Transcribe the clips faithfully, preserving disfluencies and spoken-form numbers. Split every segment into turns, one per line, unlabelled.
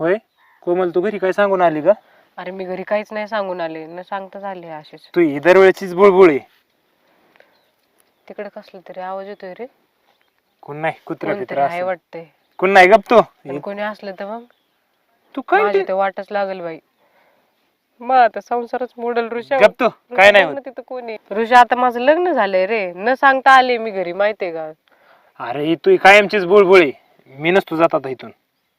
होय कोमल तू घरी काय सांगून आली का?
अरे मी घरी काहीच नाही सांगून आले, न सांगताच आले अशीच.
तू ही दरवेळेचीच बुळबुळ आहे.
तिकडे कसलं तरी आवाज येतोय रे.
कोण नाही कुत्रा
कोणतरी
पित्रा
आहे वाटतंय.
कोण नाही गप तो.
पण कोणी असलं तर मग
तू काय
माझी तर वाटच लागल बाई. मग आता संसारच मोडल ऋषा.
गप तो काय नाही होत.
तिथं कोणी ऋषा आता माझं लग्न झालंय रे, न सांगता आले मी घरी माहितीये का.
अरे ही तू कायमचीच बुळबुळ आहे. मी नसतो जात आता इथून.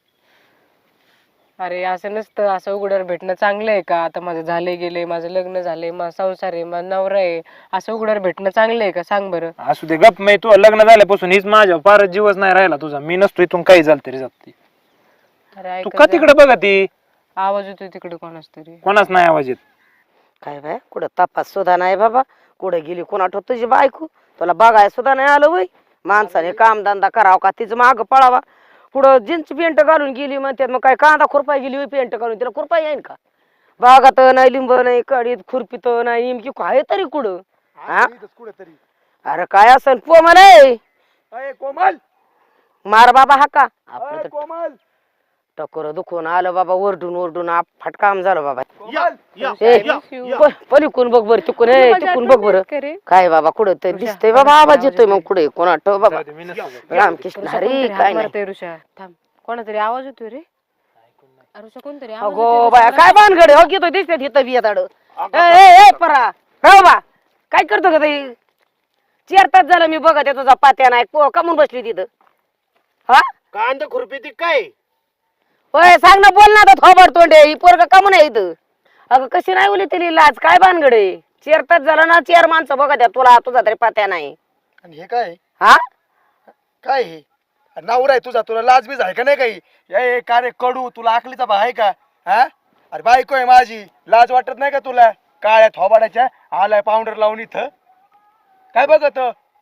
अरे असं नसतं, असं उघड्यावर भेटणं चांगलं आहे का? आता माझं झालंय गेलंय, माझं लग्न झालंय, माझा संसार आहे, माझा नवरा आहे, असं उघड्यावर भेटणं चांगलं आहे का सांग बरं.
असू दे गप. मी तू लग्न झाल्यापासून हीच माझ्या फारच जीवच नाही राहिला तुझा. मी नसतो इथून काही झालं तरी जात.
अरे
तू
ऐकत
का
जा.
तिकडे बघा ती
आवाज येतोय तिकडे कोणाच तरी.
कोणाच नाही आवाज येत.
काय बाय कुठं तपास सुद्धा नाही बाबा. कुठं गेली कोणा ठेव तुझी बायको, तुला बघाय सुद्धा नाही आलं वय. माणसाने कामधंदा करावा का तिचं माग पळावा. पुढं जीन्स पेंट घालून गेली म्हणतात, मग काय कांदा खुरपाय गेली होय पेंट घालून, तिला खुरपाय येईन का? बागात नाही, लिंब नाही, कडीत खुरपीत नाही, नेमकी काय तरी कुठं. हा अरे काय असन कोमल आहे.
कोमल
मार बाबा हा का आपलं तर
कोमल
टकोर दुखून आलं बाबा, ओरडून ओरडून आप फटकाम झालं बाबा.
या, या,
ए,
या, या.
प- पलीकडून बघ बर, तिकून ए तिकून बघ बर. काय बाबा कुठं तरी दिसतंय बाबा, आवाज येतोय मग कुठे कोणा ठेव बाबा.
जाऊ दे, मी नसतो जात.
रामकृष्ण हरी काय नाही.
मारतोय ऋषा. थांब, कोणातरी आवाज येतोय रे. ऋषा कोणतरी आवाज
अगो
येतोय
बाया
ऋषा.
काय भानगड आहे? हो की तो दिसते तिथं बिया ताड. ए ए परा हो बा, काय करतो का ताई? चार तास झालं मी बघत आहे तुझा पात्या नाही. को- कमून बसली तिथं? हा
कांदा खुरपी काय?
होय सांग ना, बोल ना आता थोबड तोंडे. ही पोरग कमून आहे इथं? अगं कशी नाही उली तिली लाज? काय भानगड आहे? चार तास झालं ना, चार माणसं बघत आहे तुला, तुझा तरी पात्या नाही.
आणि हे काय
हा
काय हे नवरा आहे तुझा, तुला लाज बीज आहे का नाही काही? ए का रे कडू, तुला आकलीचा भा आहे का? हा अरे बायको आहे माझी, लाज वाटत नाही का तुला? काळ्या थोबाडाच्या आलाय पावडर लावून इथं काय बघत,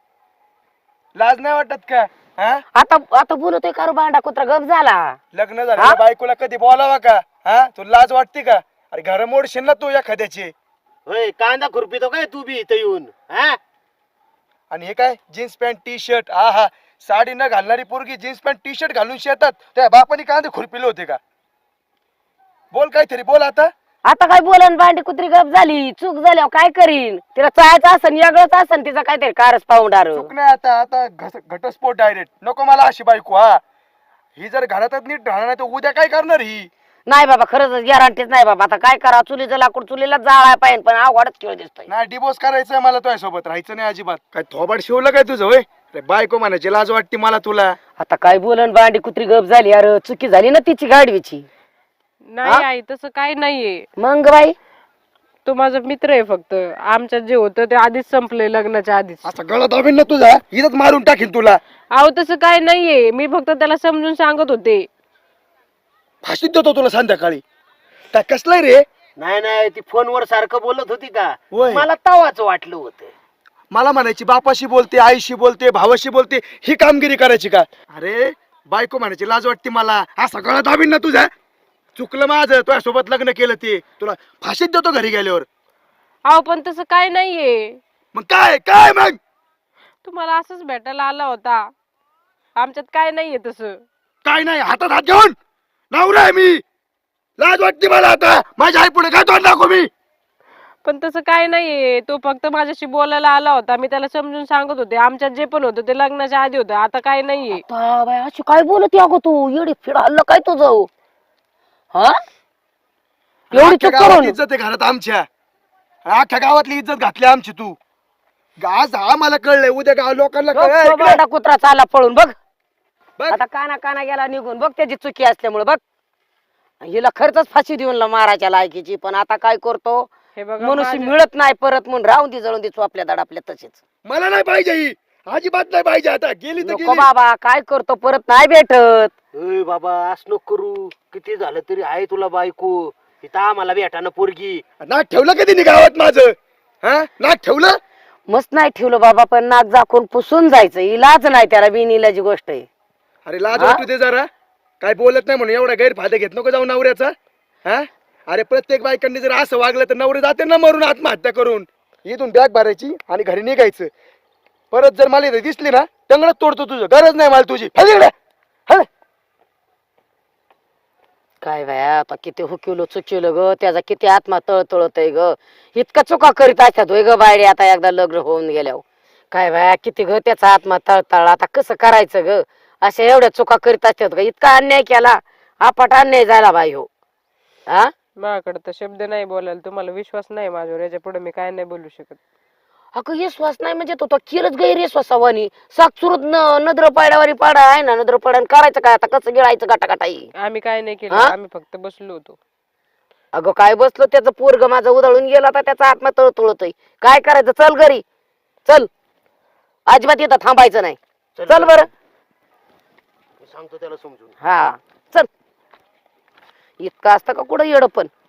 लाज नाही वाटत का? हा
आता आता बोलतोय का रे भांडा कुत्रा? गप झाला.
लग्न झालं बायकोला कधी बोलावा का? हा तुला लाज वाटते का? अरे घर मोडशील ना तू एखाद्याची.
होय कांदा खुरपितो काय तू बी इथं येऊन? हा
आणि हे काय जीन्स पॅन्ट टी शर्ट, आ हा साडी न घालणारी पोरगी जीन्स पॅन्ट टी शर्ट घालून शेतात त्या बापाने कांदे खुरपिले होते का? बोल काहीतरी बोल आता.
आता काय बोलन? भांडी कुत्री गप झाली, चूक झाल्यावर काय करीन? तिला चायचं असन, वेगळंच असन तिचा काहीतरी कारच पाहुणार.
चूक नाही आता, आता घस- घटस्फोट डायरेक्ट. नको मला अशी बायको. हा ही जर घरातच नीट राहणार नाही तर उद्या काय करणार ही?
नाही बाबा, खरंच गॅरंटीच नाही बाबा. आता काय करा, चुलीचं लाकूड चुलीला जाळाय पाहिजे, पण अवघडच खेळ दिसतोय.
नाही डिवोर्स करायचंय मला तुझ्या सोबत, राहायचं नाही अजिबात. काय थोबाड शिवलं काय तुझं? होय अरे बायको म्हणायची लाज वाटते मला तुला.
आता काय बोलन? भांडी कुत्री गप झाली. अरे चुकी झाली ना तिची गाडवीची.
नाही आई, तसं काय नाहीये.
मग बाई
तो माझा मित्र आहे फक्त. आमच्यात जे होतं ते आधीच संपलंय, लग्नाच्या आधीच.
असा गळा दाबीन ना तुझा, इथंच मारून टाकीन तुला.
अहो तसं काय नाहीये, मी फक्त त्याला समजून सांगत होते.
फाशीत देतो तुला संध्याकाळी. काय कसलंय रे?
नाही नाही ती फोनवर सारखं बोलत होती का?
होय.
मला तवाच वाटलं होतं.
मला म्हणायची बापाशी बोलते, आईशी बोलते, भावाशी बोलते, ही कामगिरी करायची का? अरे बायको म्हणायची लाज वाटते मला. हा सगळा दाबीन ना तुझा. चुकलं माझं, तुझ्या सोबत लग्न केलं ते. तुला फाशीत देतो घरी गेल्यावर.
अहो पण तसं काय नाहीये.
मग काय काय मग?
तुम्हाला असंच भेटायला आला होता. आमच्यात काय नाहीये तसं.
काय नाही, हातात हात घेऊन नवरा आहे मी. लाज वाटते मला आता. माझ्या आई पुढे काय तोंड दाखवू मी?
पण तसं काय नाहीये. तो फक्त माझ्याशी बोलायला आला होता. मी त्याला समजून सांगत होते. आमच्यात जे पण होतं ते लग्नाच्या आधी होतं. आता काय नाहीये.
आता बाई अशी काय बोलत अगो तू? येडी फिड हल्लं काय तुझं? हा एवढी
अख्ख्या
चूक
गावात
करून
इज्जत आहे घरात आमच्या. अख्ख्या गावातली इज्जत घातली आमची तू. आज आम्हाला कळलंय, उद्या गाव लोकांना
बघ,
कळलंय.
तो भांडा कुत्रा चालला पळून बघ.
बघ.
आता काना काना गेला निघून बघ, त्याची चुकी असल्यामुळे बघ. हिला खरंच फाशी देऊन ला मारायच्या लायकीची, पण आता काय करतो?
हे बघा
मनुष्य
माझ्या-
मिळत नाही परत म्हणून राहून दे, जळून दे आपल्या दड आपल्या तसेच.
मला नाही पाहिजे ही, अजिबात नाही पाहिजे. आता गेली तर
नको
गेली.
बाबा, काय करतो? परत नाही भेटत.
होय बाबा असं नको करू. किती झालं तरी आहे तुला बायको. इथं आम्हाला भेटानं पोरगी.
नाक ठेवलं कधी नी गावात माझं? हा नाक ठेवलं?
मस्त नाही ठेवलं बाबा, पण नाक झाकून पुसून जायचं. इलाज नाही त्याला, बिनइलाजी गोष्ट आहे.
अरे लाज
हा?
वाटू दे जरा. काय बोलत नाही म्हणून एवढा गैरफायदा घेत नको जाऊ नवऱ्याचा. हा अरे प्रत्येक बायकांनी जर असं वागलं तर नवरे जाते ना मरून आत्महत्या करून. इथून बॅग भरायची आणि घरी निघायचं. परत जर मला इथे दिसली ना, टंगडच तोडतो तुझं. गरज नाही मला तुझी. हल इकडे. हल.
काय बाया आता किती हुकिवलं चुकिवलं ग त्याचा किती आत्मा तळतळत आहे ग इतका चुका करीत असतात होय ग बायडे आता एकदा लग्न होऊन गेल्यावर काय बाया किती ग त्याचा आत्मा तळतळ आता कसं करायचं ग अशा एवढ्या चुका करीत असतात ग इतका अन्याय केला आपट अन्याय झाला बाई हो हा
माझ्याकडे तर शब्द नाही बोलायला तुम्हाला विश्वास नाही माझ्यावर याच्या पुढे मी काय नाही बोलू शकत
अगं विश्वास नाही म्हणजे तो तो केलंच गैरविश्वासावानी साक्षुरत न नद्र पाड्यावारी पाडा आहे ना नद्र पाड्यान करायचं काय आता कसं गिळायचं गाटागाटाई
आम्ही काय नाही केलं
हा?
आम्ही फक्त बसलो होतो
अगं काय बसलो त्याचं पोरग माझं उधळून गेला तर त्याचा आत्मा तळतळतोय काय करायचं चल घरी चल अजिबात इथं थांबायचं नाही चल बरं
मी सांगतो त्याला समजून
हा चल इतकं असतं का कुठं येड पण